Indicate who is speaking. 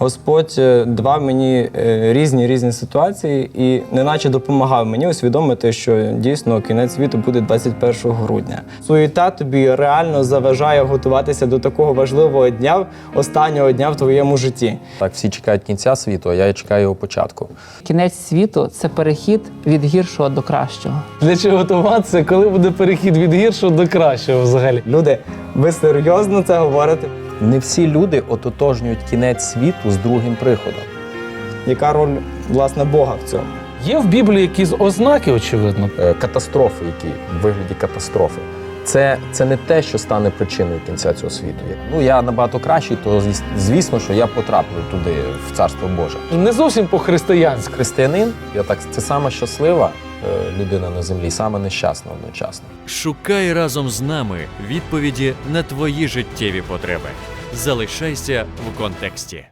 Speaker 1: Господь давав мені різні ситуації і неначе допомагав мені усвідомити, що дійсно кінець світу буде 21 грудня. Суєта тобі реально заважає готуватися до такого важливого дня, останнього дня в твоєму житті.
Speaker 2: Так, всі чекають кінця світу, а я чекаю його початку.
Speaker 3: Кінець світу – це перехід від гіршого до кращого.
Speaker 4: Для чого готуватися, коли буде перехід від гіршого до кращого взагалі?
Speaker 1: Люди, ви серйозно це говорите?
Speaker 2: Не всі люди ототожнюють кінець світу з другим приходом.
Speaker 1: Яка роль, власне, Бога в цьому?
Speaker 4: Є в Біблії якісь ознаки, очевидно.
Speaker 2: Катастрофи, які в вигляді катастрофи. Це не те, що стане причиною кінця цього світу. Ну, я набагато кращий, то звісно, що я потраплю туди, в Царство Боже.
Speaker 4: Не зовсім по-християнськи.
Speaker 2: Християнин, це сама щаслива людина на землі, сама нещасна одночасно.
Speaker 5: Шукай разом з нами відповіді на твої життєві потреби. Залишайся в контексті.